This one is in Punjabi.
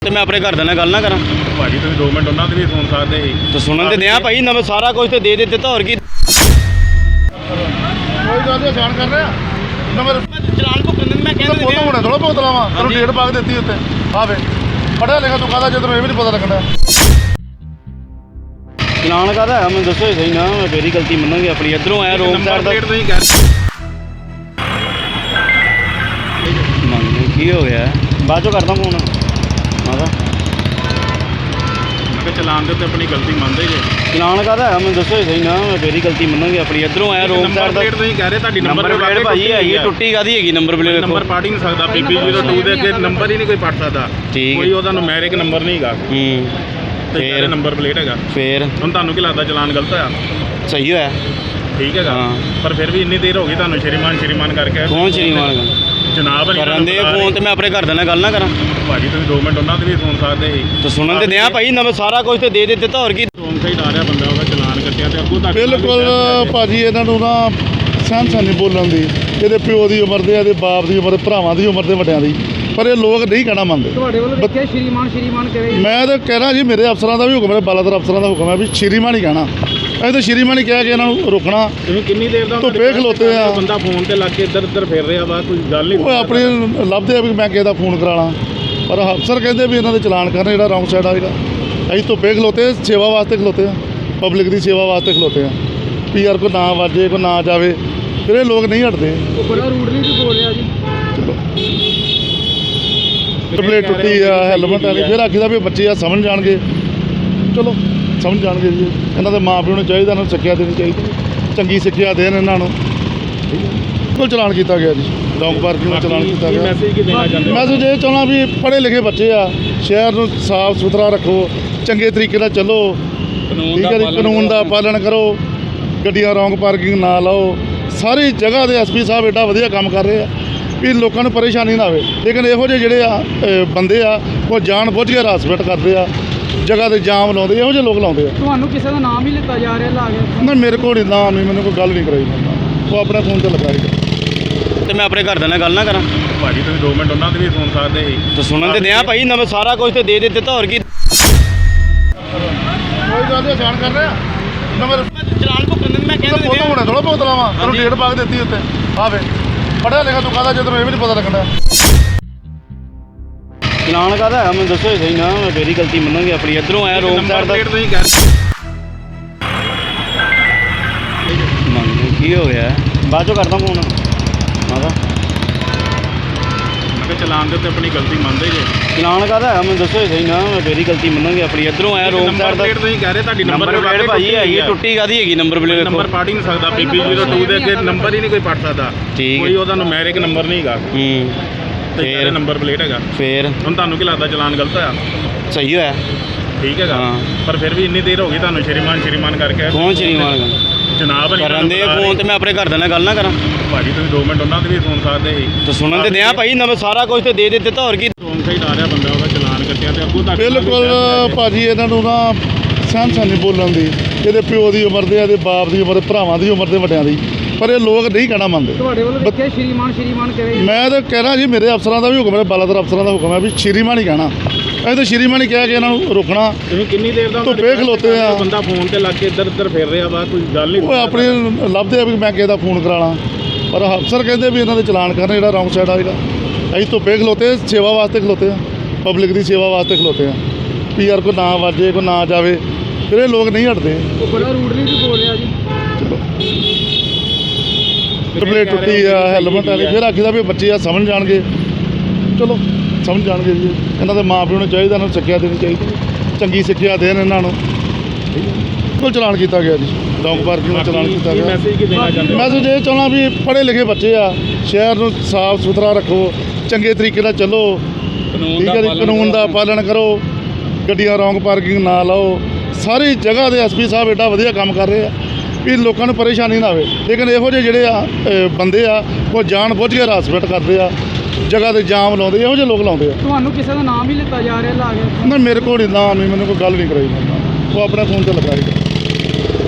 ਤੇ ਮੈਂ ਆਪਣੇ ਘਰਦਿਆਂ ਨਾਲ ਗੱਲ ਨਾ ਕਰਾਂ ਭਾਜੀ ਤੁਸੀਂ 2 ਮਿੰਟ ਉਹਨਾਂ ਦੇ ਵੀ ਸੁਣ ਸਕਦੇ ਸੀ। ਤੇ ਸੁਣਨ ਤੇ ਦਿਆਂ ਭਾਈ ਨਵੇਂ ਸਾਰਾ ਕੁਝ ਤੇ ਦੇ ਦਿੱਤਾ ਹੋਰ ਕੀ ਕੋਈ ਗੱਲ ਨਹੀਂ ਆਸਾਨ ਕਰ ਰਿਹਾ ਨੰਬਰ ਚਲਾਨ ਭੁਗਤਣ ਮੈਂ ਫੋਟੋ ਹੋਣਾ ਥੋੜਾ ਬਹੁਤ ਲਾਵਾ ਤੈਨੂੰ ਡੇਟ ਪਾ ਕੇ ਦਿੱਤੀ ਉੱਤੇ ਆਵੇ ਪੜਿਆ ਲਿਖਿਆ ਤੂੰ ਕਹਦਾ ਜਦੋਂ ਇਹ ਵੀ ਨਹੀਂ ਪਤਾ ਲੱਗਣਾ ਚਲਾਨ ਕਾਹਦਾ ਹੈ ਮੈਨੂੰ ਦੱਸੋ ਸਹੀ ਨਾ ਮੈਂ ਮੇਰੀ ਗਲਤੀ ਮੰਨਾਂਗੇ ਆਪਣੀ ਇੱਧਰੋਂ ਆਇਆ ਰੋਂਗ ਸਾਈਡ ਦਾ ਤੁਸੀਂ ਕਰ ਮੰਨ ਕੀ ਹੋ ਗਿਆ ਬਾਅਦ ਚੋਂ ਕਰਦਾ ਫੋਨ ਮਾਦਾ ਕਿ ਚਲਾਨ ਦੇ ਉੱਤੇ ਆਪਣੀ ਗਲਤੀ ਮੰਨਦੇ ਜੇ। ਚਲਾਨ ਕਾਹਦਾ ਹੈ ਮੈਨੂੰ ਦੱਸੋ ਸਹੀ ਨਾ ਮੈਂ ਮੇਰੀ ਗਲਤੀ ਮੰਨਾਂਗੇ ਆਪਣੀ ਇੱਧਰੋਂ ਆਇਆ ਰੋਂਗ ਸਾਈਡ ਦਾ ਤੁਸੀਂ ਕਹਿ ਰਹੇ ਤੁਹਾਡੀ ਨੰਬਰ ਪਲੇਟ ਭਾਜੀ ਹੈਗੀ ਟੁੱਟੀ ਕਾਦੀ ਹੈਗੀ ਨੰਬਰ ਪਲੇਟ ਨੰਬਰ ਪੜ ਹੀ ਨਹੀਂ ਸਕਦਾ PP02 ਦੇ ਅੱਗੇ ਨੰਬਰ ਹੀ ਨਹੀਂ ਕੋਈ ਪੜ ਸਕਦਾ ਠੀਕ ਕੋਈ ਉਹਦਾ ਨੂਮੈਰਿਕ ਨੰਬਰ ਨਹੀਂ ਹੈਗਾ ਤੇ ਫੇਰ ਨੰਬਰ ਪਲੇਟ ਹੈਗਾ ਫੇਰ ਹੁਣ ਤੁਹਾਨੂੰ ਕੀ ਲੱਗਦਾ ਚਲਾਨ ਗਲਤ ਹੋਇਆ ਸਹੀ ਹੋਇਆ ਠੀਕ ਹੈਗਾ ਹਾਂ। ਪਰ ਫਿਰ ਵੀ ਇੰਨੀ ਦੇਰ ਹੋ ਗਈ ਤੁਹਾਨੂੰ ਸ਼੍ਰੀਮਾਨ ਕਰਕੇ ਕੌਣ ਸ਼੍ਰੀਮਾਨ ਜਨਾਬ ਨਹੀਂ ਕਰਨ ਦੇ ਫੋਨ ਤੇ ਮੈਂ ਆਪਣੇ ਘਰਦਿਆਂ ਨਾਲ ਗੱਲ ਨਾ ਕਰਾਂ ਭਾਜੀ ਤੁਸੀਂ 2 ਮਿੰਟ ਉਹਨਾਂ ਦੇ ਵੀ ਸੁਣ ਸਕਦੇ ਸੀ। ਤੇ ਸੁਣਨ ਤੇ ਦਿਆਂ ਭਾਈ ਨਵੇਂ ਸਾਰਾ ਕੁਝ ਤੇ ਦੇ ਦਿੱਤਾ ਹੋਰ ਕੀ ਰੋਂਗ ਸਾਈਡ ਆ ਰਿਹਾ ਬੰਦਾ ਉਹਦਾ ਚਲਾਨ ਕੱਟਿਆ ਤੇ ਅੱਗੋਂ ਤੱਕ ਬਿਲਕੁਲ ਭਾਜੀ ਇਹਨਾਂ ਨੂੰ ਨਾ ਸਹਿਨ ਨਹੀਂ ਬੋਲਣ ਦੀ ਇਹਦੇ ਪਿਓ ਦੀ ਉਮਰ ਦੇ ਇਹਦੇ ਬਾਪ ਦੀ ਉਮਰ ਭਰਾਵਾਂ ਦੀ ਉਮਰ ਦੇ ਵੱਡਿਆਂ ਦੀ ਪਰ ਇਹ ਲੋਕ ਨਹੀਂ ਕਹਿਣਾ ਮੰਨਦੇ ਤੁਹਾਡੇ ਵੱਲੋਂ ਵੇਖਿਆ ਸ਼੍ਰੀਮਾਨ ਕਰੇ ਮੈਂ ਤਾਂ ਕਹਿ ਰਿਹਾ ਜੀ ਮੇਰੇ ਅਫਸਰਾਂ ਦਾ ਵੀ ਹੁਕਮ ਹੈ ਬਾਲਾਦਰ ਅਫਸਰਾਂ ਦਾ ਹੁਕਮ ਹੈ ਵੀ ਸ਼੍ਰੀਮਾਨ ਹੀ ਕਹਿਣਾ ਅਸੀਂ ਤਾਂ ਸ਼੍ਰੀਮਾਨ ਹੀ ਕਹਿ ਕੇ ਇਹਨਾਂ ਨੂੰ ਰੋਕਣਾ ਤੁਸੀਂ ਕਿੰਨੀ ਦੇਰ ਦਾ ਧੁੱਪੇ ਖਲੋਤੇ ਆ। ਬੰਦਾ ਫੋਨ ਤੇ ਲੱਗ ਕੇ ਇੱਧਰ ਉੱਧਰ ਫਿਰ ਰਿਹਾ ਵਾ ਕੋਈ ਗੱਲ ਨਹੀਂ ਉਹ ਆਪਣੇ ਲੱਭਦੇ ਆ ਵੀ ਮੈਂ ਕਿਸੇ ਦਾ ਫੋਨ ਕਰਾਣਾ ਪਰ ਅਫਸਰ ਕਹਿੰਦੇ ਵੀ ਇਹਨਾਂ ਦੇ ਚਲਾਨ ਕਰਨ ਜਿਹੜਾ ਰੌਂਗ ਸਾਈਡ ਆਏਗਾ ਅਸੀਂ ਧੁੱਪੇ ਖਲੋਤੇ ਸੇਵਾ ਵਾਸਤੇ ਖਲੋਤੇ ਆ ਪਬਲਿਕ ਦੀ ਸੇਵਾ ਵਾਸਤੇ ਖਲੋਤੇ ਆ PR ਕੋ ਨਾ ਵਾਜੇ ਕੋ ਨਾ ਜਾਵੇ ਫਿਰ ਇਹ ਲੋਕ ਨਹੀਂ ਹਟਦੇ ਉਹ ਬੜਾ ਰੂਡਲੀ ਵੀ ਬੋਲ ਰਿਹਾ ਜੀ ਪਲੇਟ ਟੁੱਟੀ ਆ ਹੈਲਮਟ ਵਾਲੀ ਫਿਰ ਆਖੀਦਾ ਵੀ ਬੱਚੇ ਆ ਸਮਝ ਜਾਣਗੇ ਚਲੋ ਸਮਝ ਜਾਣਗੇ ਜੀ ਇਹਨਾਂ ਦੇ ਮਾਂ ਪਿਓ ਨੂੰ ਚਾਹੀਦਾ ਇਹਨਾਂ ਨੂੰ ਸਿੱਖਿਆ ਦੇਣੀ ਚਾਹੀਦੀ ਚੰਗੀ ਸਿੱਖਿਆ ਦੇਣ ਇਹਨਾਂ ਨੂੰ ਬਿਲਕੁਲ ਚਲਾਨ ਕੀਤਾ ਗਿਆ ਜੀ ਰੌਂਗ ਪਾਰਕਿੰਗ ਦਾ ਚਲਾਨ ਕੀਤਾ ਗਿਆ ਮੈਸੇਜ ਕੀ ਦੇਣਾ ਚਾਹੁੰਦੇ ਮੈਸੇਜ ਇਹ ਚਾਹੁੰਦਾ ਵੀ ਪੜ੍ਹੇ ਲਿਖੇ ਬੱਚੇ ਆ ਸ਼ਹਿਰ ਨੂੰ ਸਾਫ਼ ਸੁਥਰਾ ਰੱਖੋ ਚੰਗੇ ਤਰੀਕੇ ਨਾਲ ਚੱਲੋ ਠੀਕ ਹੈ ਜੀ ਕਾਨੂੰਨ ਦਾ ਪਾਲਣ ਕਰੋ ਗੱਡੀਆਂ ਰੌਂਗ ਪਾਰਕਿੰਗ ਨਾ ਲਾਓ ਸਾਰੀ ਜਗ੍ਹਾ ਦੇ ਐਸਪੀ ਸਾਹਿਬ ਐਡਾ ਵਧੀਆ ਕੰਮ ਕਰ ਰਹੇ ਆ ਵੀ ਲੋਕਾਂ ਨੂੰ ਪਰੇਸ਼ਾਨੀ ਨਾ ਆਵੇ ਲੇਕਿਨ ਇਹੋ ਜਿਹੇ ਜਿਹੜੇ ਆ ਬੰਦੇ ਆ ਉਹ ਜਾਣ ਬੁੱਝ ਕੇ ਹਰਾਸਮੈਂਟ ਕਰਦੇ ਆ ਜਗ੍ਹਾ ਤੇ ਜਾਮ ਲਾਉਂਦੇ ਇਹੋ ਜਿਹੇ ਲੋਕ ਲਾਉਂਦੇ ਆ ਤੁਹਾਨੂੰ ਕਿਸੇ ਦਾ ਨਾਮ ਹੀ ਲਿੱਤਾ ਜਾ ਰਿਹਾ ਲਾ ਕੇ ਨਾ ਮੇਰੇ ਕੋਲ ਨਾ ਨਹੀਂ ਮੈਨੂੰ ਕੋਈ ਗੱਲ ਨਹੀਂ ਕਰਾਈ ਉਹ ਆਪਣੇ ਫੋਨ ਤੇ ਲਗਾਈ ਤੇ ਮੈਂ ਆਪਣੇ ਘਰਦਿਆਂ ਨਾਲ ਗੱਲ ਨਾ ਕਰਾਂ ਭਾਜੀ ਤੁਸੀਂ 2 ਮਿੰਟ ਉਹਨਾਂ ਦੇ ਵੀ ਸੁਣ ਸਕਦੇ ਸੀ। ਤੇ ਸੁਣਨ ਤੇ ਦਿਆਂ ਭਾਈ ਨਵੇਂ ਸਾਰਾ ਕੁਝ ਤੇ ਦੇ ਦਿੱਤਾ ਹੋਰ ਕੀ ਕੋਈ ਗੱਲ ਨਹੀਂ ਆਸਾਨ ਕਰ ਰਿਹਾ ਨੰਬਰ ਚਲਾਨ ਭੁਗਤਣ ਮੈਂ ਫੋਟੋ ਹੋਣਾ ਥੋੜਾ ਬਹੁਤ ਲਾਵਾ ਤੈਨੂੰ ਡੇਟ ਪਾ ਕੇ ਦਿੱਤੀ ਉੱਤੇ ਆਵੇ ਪੜਿਆ ਲਿਖਿਆ ਤੂੰ ਕਹਦਾ ਜਦੋਂ ਇਹ ਵੀ ਨਹੀਂ ਪਤਾ ਲੱਗਣਾ ਚਲਾਨ ਕਾਹਦਾ ਹੈ ਮੈਨੂੰ ਦੱਸੋ ਸਹੀ ਨਾ ਮੈਂ ਮੇਰੀ ਗਲਤੀ ਮੰਨਾਂਗੇ ਆਪਣੀ ਇੱਧਰੋਂ ਆਇਆ ਰੋਂਗ ਸਾਈਡ ਦਾ ਤੁਸੀਂ ਕਰ ਮੰਨ ਕੀ ਹੋ ਗਿਆ ਬਾਅਦ ਚੋਂ ਕਰਦਾ ਫੋਨ ਮਾਦਾ ਕਿ ਚਲਾਨ ਦੇ ਉੱਤੇ ਆਪਣੀ ਗਲਤੀ ਮੰਨਦੇ ਜੇ। ਚਲਾਨ ਕਾਹਦਾ ਹੈ ਮੈਨੂੰ ਦੱਸੋ ਸਹੀ ਨਾ ਮੈਂ ਮੇਰੀ ਗਲਤੀ ਮੰਨਾਂਗੇ ਆਪਣੀ ਇੱਧਰੋਂ ਆਇਆ ਰੋਂਗ ਸਾਈਡ ਦਾ ਤੁਸੀਂ ਕਹਿ ਰਹੇ ਤੁਹਾਡੀ ਨੰਬਰ ਪਲੇਟ ਭਾਜੀ ਹੈਗੀ ਟੁੱਟੀ ਕਾਦੀ ਹੈਗੀ ਨੰਬਰ ਪਲੇਟ ਨੰਬਰ ਪੜ ਹੀ ਨਹੀਂ ਸਕਦਾ PP02 ਦੇ ਅੱਗੇ ਨੰਬਰ ਹੀ ਨਹੀਂ ਕੋਈ ਪੜ ਸਕਦਾ ਠੀਕ ਕੋਈ ਉਹਦਾ ਨੂਮੈਰਿਕ ਨੰਬਰ ਨਹੀਂ ਹੈਗਾ ਤੇ ਫੇਰ ਨੰਬਰ ਪਲੇਟ ਹੈਗਾ ਫੇਰ ਹੁਣ ਤੁਹਾਨੂੰ ਕੀ ਲੱਗਦਾ ਚਲਾਨ ਗਲਤ ਹੋਇਆ ਸਹੀ ਹੋਇਆ ਠੀਕ ਹੈਗਾ ਹਾਂ। ਪਰ ਫਿਰ ਵੀ ਇੰਨੀ ਦੇਰ ਹੋ ਗਈ ਤੁਹਾਨੂੰ ਸ਼੍ਰੀਮਾਨ ਕਰਕੇ ਕੌਣ ਸ਼੍ਰੀਮਾਨ ਜਨਾਬ ਨਹੀਂ ਕਰਨ ਦੇ ਫੋਨ ਤੇ ਮੈਂ ਆਪਣੇ ਘਰਦਿਆਂ ਨਾਲ ਗੱਲ ਨਾ ਕਰਾਂ ਭਾਜੀ ਤੁਸੀਂ 2 ਮਿੰਟ ਉਹਨਾਂ ਦੇ ਵੀ ਸੁਣ ਸਕਦੇ ਸੀ। ਤੇ ਸੁਣਨ ਤੇ ਦਿਆਂ ਭਾਈ ਨਵੇਂ ਸਾਰਾ ਕੁਝ ਤੇ ਦੇ ਦਿੱਤਾ ਹੋਰ ਕੀ ਰੋਂਗ ਸਾਈਡ ਆ ਰਿਹਾ ਬੰਦਾ ਉਹਦਾ ਚਲਾਨ ਕੱਟਿਆ ਤੇ ਅੱਗੋਂ ਤੱਕ ਬਿਲਕੁਲ ਭਾਜੀ ਇਹਨਾਂ ਨੂੰ ਨਾ ਸਹਿਨ ਨਹੀਂ ਬੋਲਣ ਦੀ ਇਹਦੇ ਪਿਓ ਦੀ ਉਮਰ ਦੇ ਇਹਦੇ ਬਾਪ ਦੀ ਉਮਰ ਭਰਾਵਾਂ ਦੀ ਉਮਰ ਦੇ ਵੱਡਿਆਂ ਦੀ ਪਰ ਇਹ ਲੋਕ ਨਹੀਂ ਕਹਿਣਾ ਮੰਨਦੇ ਤੁਹਾਡੇ ਵੱਲੋਂ ਵੇਖਿਆ ਸ਼੍ਰੀਮਾਨ ਕਰੇ ਮੈਂ ਤਾਂ ਕਹਿ ਰਿਹਾ ਜੀ ਮੇਰੇ ਅਫਸਰਾਂ ਦਾ ਵੀ ਹੁਕਮ ਹੈ ਬਾਲਾਦਰ ਅਫਸਰਾਂ ਦਾ ਹੁਕਮ ਹੈ ਵੀ ਸ਼੍ਰੀਮਾਨ ਹੀ ਕਹਿਣਾ ਅਸੀਂ ਤਾਂ ਸ਼੍ਰੀਮਾਨ ਹੀ ਕਹਿ ਕੇ ਇਹਨਾਂ ਨੂੰ ਰੋਕਣਾ ਤੁਸੀਂ ਕਿੰਨੀ ਦੇਰ ਦਾ ਧੁੱਪੇ ਖਲੋਤੇ ਆ। ਬੰਦਾ ਫੋਨ ਤੇ ਲੱਗ ਕੇ ਇੱਧਰ ਉੱਧਰ ਫਿਰ ਰਿਹਾ ਵਾ ਕੋਈ ਗੱਲ ਨਹੀਂ ਉਹ ਆਪਣੇ ਲੱਭਦੇ ਆ ਵੀ ਮੈਂ ਕਿਸੇ ਦਾ ਫੋਨ ਕਰਾਣਾ ਪਰ ਅਫਸਰ ਕਹਿੰਦੇ ਵੀ ਇਹਨਾਂ ਦੇ ਚਲਾਨ ਕਰਨ ਜਿਹੜਾ ਰੌਂਗ ਸਾਈਡ ਆਏਗਾ ਅਸੀਂ ਧੁੱਪੇ ਖਲੋਤੇ ਸੇਵਾ ਵਾਸਤੇ ਖਲੋਤੇ ਆ ਪਬਲਿਕ ਦੀ ਸੇਵਾ ਵਾਸਤੇ ਖਲੋਤੇ ਆ PR ਕੋ ਨਾ ਵਾਜੇ ਕੋ ਨਾ ਜਾਵੇ ਫਿਰ ਇਹ ਲੋਕ ਨਹੀਂ ਹਟਦੇ ਉਹ ਬੜਾ ਰੂਡਲੀ ਵੀ ਬੋਲ ਰਿਹਾ ਜੀ ਪਲੇਟ ਟੁੱਟੀ ਆ ਹੈਲਮਟ ਵਾਲੀ ਫਿਰ ਆਖੀਦਾ ਵੀ ਬੱਚੇ ਆ ਸਮਝ ਜਾਣਗੇ ਚਲੋ ਸਮਝ ਜਾਣਗੇ ਜੀ ਇਹਨਾਂ ਦੇ ਮਾਂ ਪਿਓ ਨੂੰ ਚਾਹੀਦਾ ਇਹਨਾਂ ਨੂੰ ਸਿੱਖਿਆ ਦੇਣੀ ਚਾਹੀਦੀ ਚੰਗੀ ਸਿੱਖਿਆ ਦੇਣ ਇਹਨਾਂ ਨੂੰ ਬਿਲਕੁਲ ਚਲਾਨ ਕੀਤਾ ਗਿਆ ਜੀ ਰੌਂਗ ਪਾਰਕਿੰਗ ਦਾ ਚਲਾਨ ਕੀਤਾ ਗਿਆ ਮੈਸੇਜ ਕੀ ਦੇਣਾ ਚਾਹੁੰਦੇ ਮੈਸੇਜ ਇਹ ਚਾਹੁੰਦਾ ਵੀ ਪੜ੍ਹੇ ਲਿਖੇ ਬੱਚੇ ਆ ਸ਼ਹਿਰ ਨੂੰ ਸਾਫ਼ ਸੁਥਰਾ ਰੱਖੋ ਚੰਗੇ ਤਰੀਕੇ ਨਾਲ ਚੱਲੋ ਠੀਕ ਹੈ ਜੀ ਕਾਨੂੰਨ ਦਾ ਪਾਲਣ ਕਰੋ ਗੱਡੀਆਂ ਰੌਂਗ ਪਾਰਕਿੰਗ ਨਾ ਲਾਓ ਸਾਰੀ ਜਗ੍ਹਾ ਦੇ ਐਸਪੀ ਸਾਹਿਬ ਐਡਾ ਵਧੀਆ ਕੰਮ ਕਰ ਰਹੇ ਆ ਵੀ ਲੋਕਾਂ ਨੂੰ ਪਰੇਸ਼ਾਨੀ ਨਾ ਆਵੇ ਲੇਕਿਨ ਇਹੋ ਜਿਹੇ ਜਿਹੜੇ ਆ ਬੰਦੇ ਆ ਉਹ ਜਾਣ ਬੁੱਝ ਕੇ ਹਰਾਸਮੈਂਟ ਕਰਦੇ ਆ ਜਗ੍ਹਾ ਤੇ ਜਾਮ ਲਾਉਂਦੇ ਇਹੋ ਜਿਹੇ ਲੋਕ ਲਾਉਂਦੇ ਆ ਤੁਹਾਨੂੰ ਕਿਸੇ ਦਾ ਨਾਮ ਹੀ ਲਿੱਤਾ ਜਾ ਰਿਹਾ ਲਾ ਕੇ ਨਾ ਮੇਰੇ ਕੋਲ ਨਾ ਨਹੀਂ ਮੈਨੂੰ ਕੋਈ ਗੱਲ ਨਹੀਂ ਕਰਾਈ ਉਹ ਆਪਣੇ ਫੋਨ ਤੇ ਲਗਾਈ